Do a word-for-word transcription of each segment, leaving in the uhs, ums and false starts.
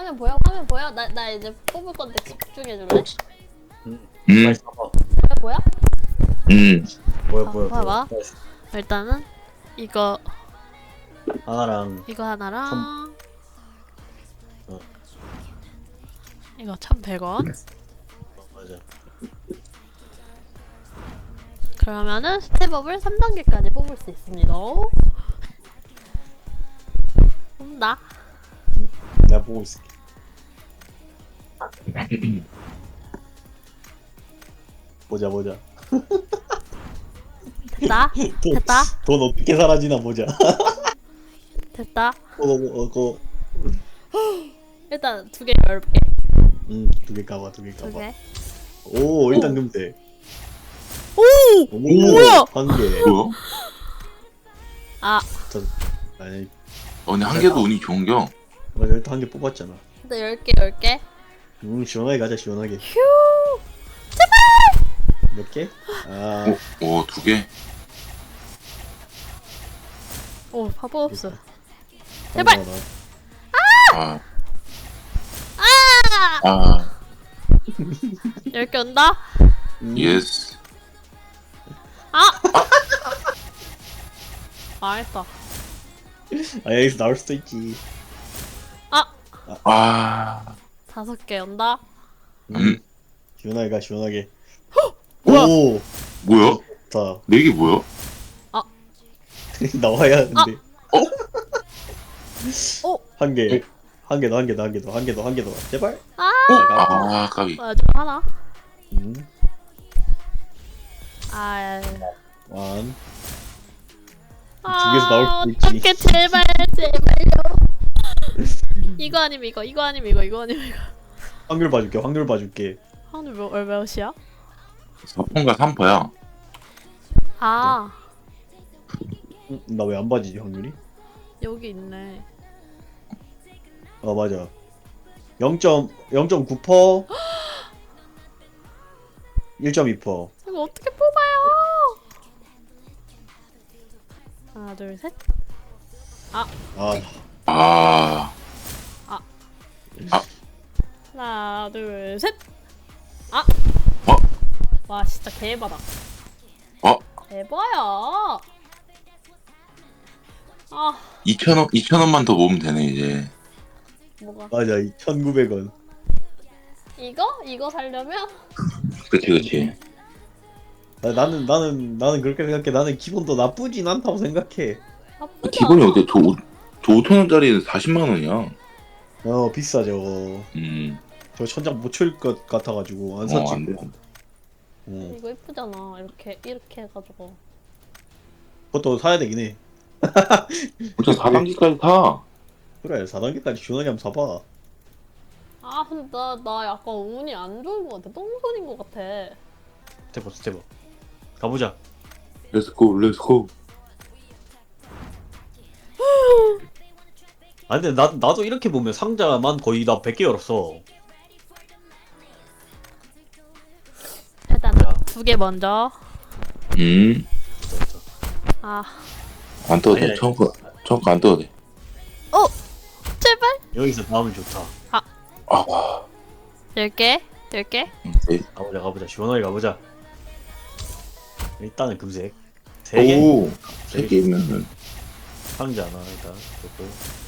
화면 보여? 화면 보여? 나, 나 이제 뽑을 건데 집중해줄래? 음. 음. 화면 보여? 음. 뭐야 아, 뭐야 봐봐. 뭐야. 일단은 이거 하나랑 이거 하나랑 어. 이거 천백 원. 어, 맞아. 그러면은 스텝업을 삼 단계까지 뽑을 수 있습니다. 뽑는다. 내가 보고 있을게. 보자 보자. 됐다. 돈, 됐다. 돈 어떻게 사라지나 보자. 됐다. 어, 어, 어, 거. 일단 두 개 열게. 음, 두 개 까봐, 두 개 두 까봐. 개. 오, 일단 오. 금색. 오! 오, 뭐야? 한 개. 뭐야? 아, 저, 아니, 어, 근데 한 개도 운이 좋은겨. 맞아, 일단 한 개 뽑았잖아. 근데 열 개, 열 개. 음, 시원하게 가자, 시원하게. 휴! 몇 개? 아, 오, 오, 두 개. 오, 바보 없어. 제발! 하나, 하나. 아, 아! 아, 열 개 온다? 음, 예스. 아! 망했다. 아, 여기서 나올 수도 있지. 아! 아, 다섯 개 온다? 음, 음. 시원하게 가, 시원하게. 뭐야? 오, 뭐야? 좋다. 네 개 뭐야? 나와야 근데. 어? 한 개. 한 개 더, 한 개 더, 한 개 더, 한 개 더, 한 개 더. 제발. 아! 아, 까비. 뭐야, 좀 하나? 음, 아, 완. 아, 개에서 나올 수도 있지. 어떡해, 제발, 제발요. 이거 아니면 이거, 이거 아니면 이거, 이거 아니면 이거. 확률 봐줄게, 확률 봐줄게. 오늘 몇, 얼마몇이야? 사 퍼인가 삼 퍼야. 아, 음, 나 왜 안 봐지지, 확률이? 여기 있네. 아, 맞아. 영 점 구 퍼센트, 일 점 이 퍼센트. 이거 어떻게 뽑아요? 하나, 둘, 셋. 아, 아, 하나, 둘, 셋. 아! 어? 와, 진짜 개바다. 어? 대봐야. 아, 이천 원, 이천 원만 더 모으면 되네, 이제. 뭐가? 맞아. 천구백 원. 이거? 이거 살려면? 그치, 그치. 나, 나는, 나는, 나는 그렇게 생각해. 나는 기본도 나쁘진 않다고 생각해. 나쁘지 기본이 않아. 어때? 저, 오- 저 오천 원짜리는 사십만 원이야. 어, 비싸, 저거. 음. 저 천장 못 칠 것 같아가지고, 안 어, 샀지. 안 돼. 어. 이거 이쁘잖아. 이렇게 이렇게 해가지고. 그것도 사야 되긴 해. 진짜 사 단계까지 타. 그래, 사 단계까지 시원하게 한번 사봐. 아, 근데 나, 나 약간 운이 안 좋은 것 같아. 똥손인 것 같아. 스텝업, 스텝업. 가보자. 렛츠고, 렛츠고. 아, 근데 나, 나도 이렇게 보면 상자만 거의 다 백 개 열었어. 일단 야. 두 개 먼저. 음. 아, 안 떠도 아니, 돼. 아니. 처음 거, 처음 거 안 떠도 돼. 제발. 여기서 나오면 좋다. 아, 열 개, 열 개. 네. 가보자, 가보자. 시원하게 가보자. 일단은 금색. 세 개? 오, 세 개면은. 상자 하나, 일단. 좋고.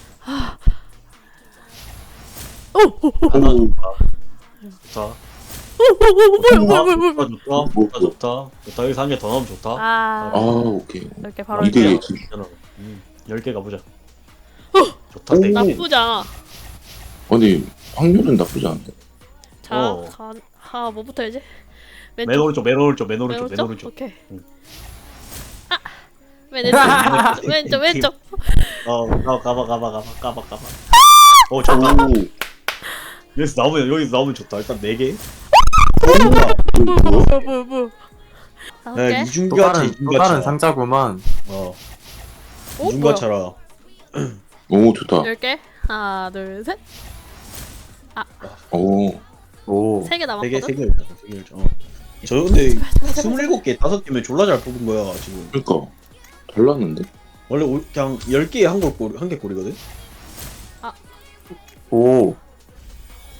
하나 오, 좋다. 좋다. 뭐야, 뭐야, 뭐야, 뭐야. 좋다, 좋다. 뭐, 좋다, 좋다. 좋다. 여기서 한 개 더 나오면 좋다. 아, 아, 오케이. 열 개 바로 이게 할게요. 지금. 음, 열 개 가보자. 좋다, 오. 땡. 나쁘지 않아. 아니, 확률은 나쁘지 않은데. 자, 어. 가, 아, 뭐부터 해야지? 맨 왼쪽. 오른쪽, 맨 오른쪽, 맨 오른쪽, 왼쪽? 맨 오른쪽. 오케이. 응. 아, 왼쪽, 왼쪽, 왼쪽. 어, 가, 가봐, 가봐, 가봐, 가봐, 가봐. 어, 좋다. 오, 여기서 나오면, 여기서 나오면 좋다. 일단 네 개. 뭐야? 뭐야, 뭐야, 뭐야. 다섯 네, 개. 또 이중가차, 다른 또 이중가차. 다른 상자구만. 어, 오, 뭐야. 이중가차라. 오, 좋다. 열 개. 하나, 둘, 셋. 오, 오. 세 개 세 개, 남았거든. 세 개 열자, 세개 열자. 어. 저 근데 스물일곱 개, 다섯 개면 졸라 잘 뽑은 거야 지금. 그니까. 달랐는데? 원래 오- 그냥 열 개에 한골 꼴, 한개 꼴이거든. 오.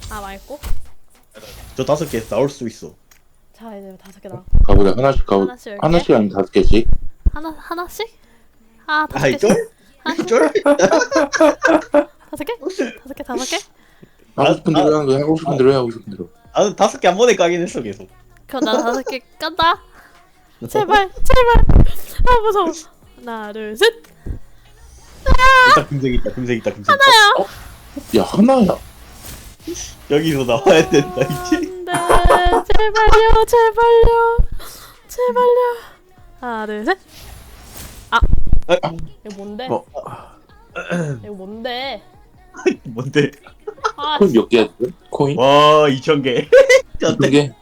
아 말고. 저 다섯 개 나올 수 있어. 자 이제 다섯 개 나. 가보자. 하나씩 가보. 하나씩 열게. 하나씩 아니면 다섯 개씩. 하나 하나씩? 아 다섯 아이 개씩. 쫄? 하나씩? 쫄? 다섯 개? 다섯 개 다섯 개? 하고 싶은 대로 아, 하는 거야. 하고 싶은 대로 해. 하고 싶은 대로. 나는 다섯 개 한 번에 까긴 했어 계속. 그럼 나 다섯 개 깐다. 제발 제발. 아 무서워. 하나 둘 셋. 일단 금색 있다 금색 있다 금색 있다. 야 하나야. 여기서 나와야 된다 이제. 안돼 제발요 제발요 제발요. 하나 둘 셋. 아, 이거 뭔데? 어. 이거 뭔데? 뭔데? 아 코인 몇 개야 지금? 코인? 와 이천 개. 몇 개?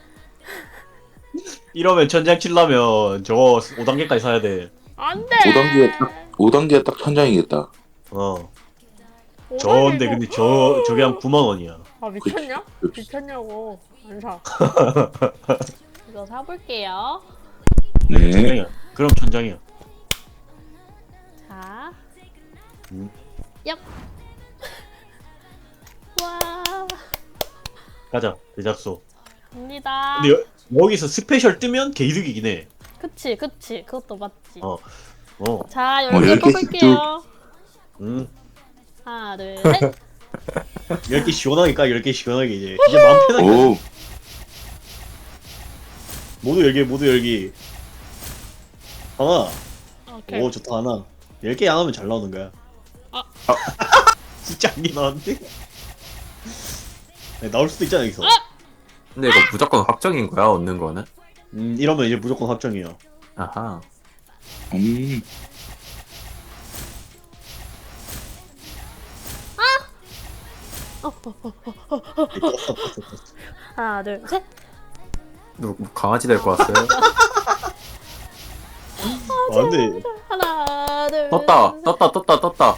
이러면 천장 칠라면 저거 오 단계까지 사야 돼. 안돼. 오 단계가 딱 오 단계가 딱 천장이겠다. 어. 저인데 근데 저 저게 한 구만 원이야. 아 미쳤냐? 그치. 미쳤냐고 안 사. 이거 사볼게요. 네. 천장이야. 그럼 천장이야. 자. 음. 얍. 와. 가자 제작소. 갑니다. 근데 여, 여기서 스페셜 뜨면 개이득이긴 해. 그치 그치 그것도 맞지. 어. 어. 자 어, 열 개 열 개씩 뽑을게요. 음. 하나 둘 셋. 열 개 시원하게 까 열 개 시원하게 이제 이제 마음 편하게. 오. 모두 열기 모두 열기. 하나. 오케이. 오 좋다 하나. 열 개 안 하면 잘 나오는 거야. 아. 진짜 안 게 나왔는데? 네, 나올 수도 있잖아 여기서. 근데 이거 무조건 확정인 거야 얻는 거는? 음 이러면 이제 무조건 확정이야. 아하. 음. 어, 어, 어. 떴어 떴어 떴어. 하나 둘 셋. 너 강아지 될 거 같아요? 아 근데 하나 둘. 떴다 셋. 떴다 떴다 떴다.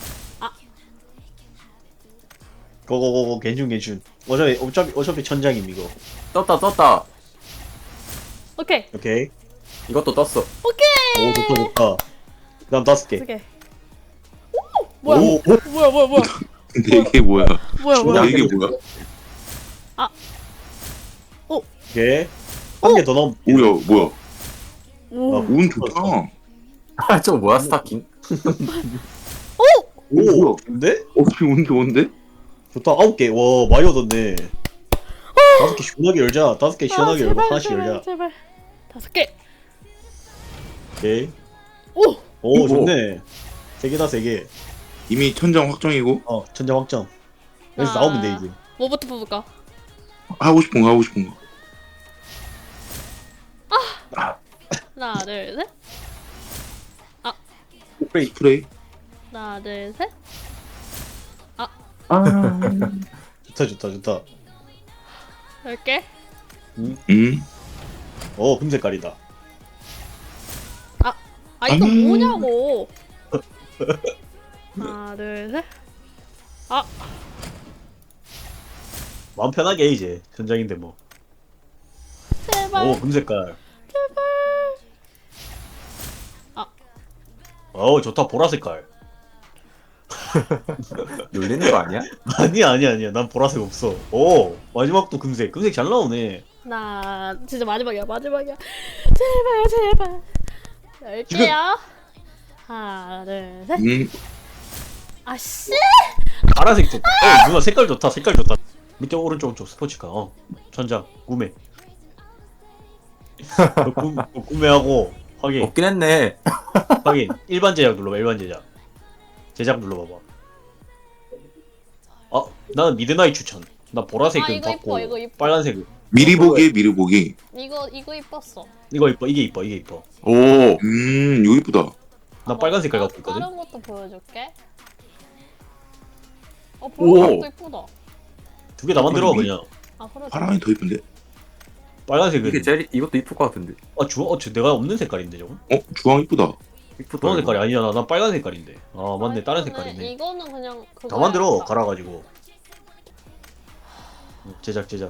고고고고 괜춘 괜춘. 어차피 어차피 어차피 천장임 이거. 떴다 떴다. 오케이. 오케이. 이것도 떴어. 오케이. 오 좋다 좋다. 그다음 다섯 개. 두 개. 오 뭐야? 오, 오. 뭐야 뭐야 뭐야? 근데 이게 뭐야? 뭐야 야 뭐야? 이게 뭐야? 오케이. 한 개 더 넣으면. 뭐야 뭐야? 오. 운 좋다. 아 저거 뭐야 스타킹? 오 뭐야? 근데? 어 지금 운 좋은데? 좋다 아홉 개. 와 많이 얻었네. 다섯 개 시원하게 열자. 다섯 개 시원하게 아, 열고 제발, 하나씩 제발, 열자. 제발. 다섯 개. 오케이. 오. 오 오. 좋네. 세 개다 세 개. 이미 천장 확정이고 어 천장 확정. 여기서 아. 나오면 돼 이제. 뭐부터 뽑을까? 하고 싶은 거 하고 싶은 거. 하나 둘 셋. 스프레이. 스프레이. 하나 둘 셋. 아. 좋다 좋다 좋다. 열 개. 음. 어 금색깔이다. 아 이거 음. 뭐냐고. 하나 둘 셋. 마음 편하게 해, 이제 천장인데 뭐. 제발. 오 금색깔. 제발. 어 좋다 보라색깔. 놀리는 거 아니야? 아니야 아니야 아니야 난 보라색 없어. 오 마지막도 금색. 금색 잘 나오네. 하나 진짜 마지막이야 마지막이야. 제발 제발. 열 지금- 개요. 하나 둘 셋. 음. 아씨. 파란색 좋다. 어 누나 색깔 좋다 색깔 좋다. 밑에 오른쪽 오른쪽 스포츠카. 어 천장 구매. 너 구, 너 구매하고 확인 없긴 했네. 확인. 일반 제작 눌러봐 일반 제작. 제작 눌러봐봐. 아 나는 미드나잇 추천. 나 보라색은 아, 이거 받고 이뻐, 이거 이뻐. 빨간색은 미리 보기 미리 보기. 이거 이거 이뻤어. 이거 이뻐 이게 이뻐 이게 이뻐. 오. 음 이거 이쁘다. 나 빨간 색깔 갖고 있거든. 다른 것도 보여줄게. 어 오. 보라색도 이쁘다. 두 개 다 만들어 그냥. 아 보라색. 파랑이 더 이쁜데. 빨간색은 이게 제일 이것도 이쁠 것 같은데. 아 주황 어 저, 내가 없는 색깔인데 저거. 어 주황 이쁘다. 이쁘다. 주황 이거. 색깔이 아니야 나, 난 빨간 색깔인데. 아 맞네 아, 다른 이거는- 색깔이네. 이거는 그냥 그거. 다 만들어 갈아가지고. 음, 제작 제작.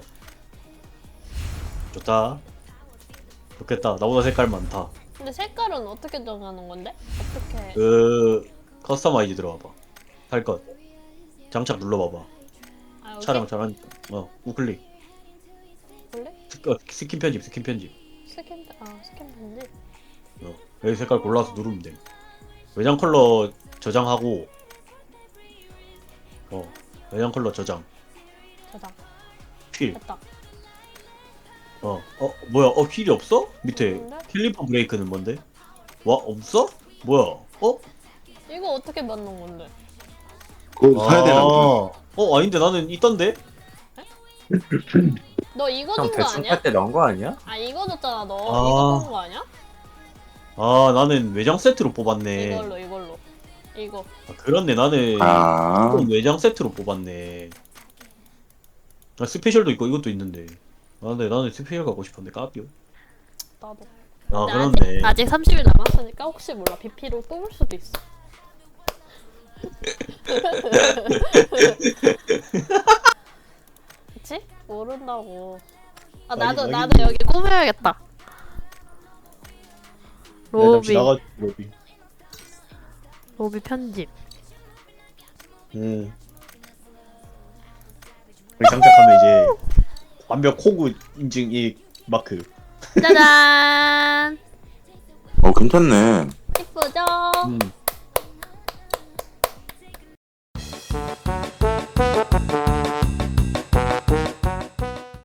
좋다. 좋겠다. 나보다 색깔 많다. 근데 색깔은 어떻게 정하는 건데? 어떻게? 그 커스터마이즈 들어와봐. 할 것. 장착 눌러봐봐. 아, 촬영 잘하니까. 어 우클릭. 원래? 스, 어, 스킨 편집 스킨 편집. 스캔 아 스캔 편지. 어 여기 색깔 골라서 누르면 돼. 외장 컬러 저장하고. 어 외장 컬러 저장. 저장. 휠. 됐다. 어, 어, 뭐야? 어, 휠이 없어? 밑에 없는데? 캘리퍼 브레이크는 뭔데? 와, 없어? 뭐야? 어? 이거 어떻게 만든 건데? 그거 사야 되나 보다. 어, 아닌데 나는 있던데? 너 이거 형 준 거 대충 아니야? 할 때 넣은 거 아니야? 아 이거 줬잖아 너. 아. 이거 준 거 아니야? 아, 나는 외장 세트로 뽑았네. 이걸로 이걸로. 이거. 아, 그렇네, 나는 아, 이건 외장 세트로 뽑았네. 아, 스페셜도 있고 이것도 있는데. 아, 근데 나는 스페셜 갖고 싶었는데 까비요. 나도. 아, 근데 그렇네. 아직, 아직 삼십 일 남았으니까 혹시 몰라 비피로 뽑을 수도 있어. 그치? 모른다고. 아 나도 아니, 나도 아니. 여기 꾸며야겠다. 야, 잠시 로비 나가, 로비. 로비 편집. 음. 우리 장착하면 이제 완벽 호구 인증 이 마크. 짜잔. 어 괜찮네. 이쁘죠? 음.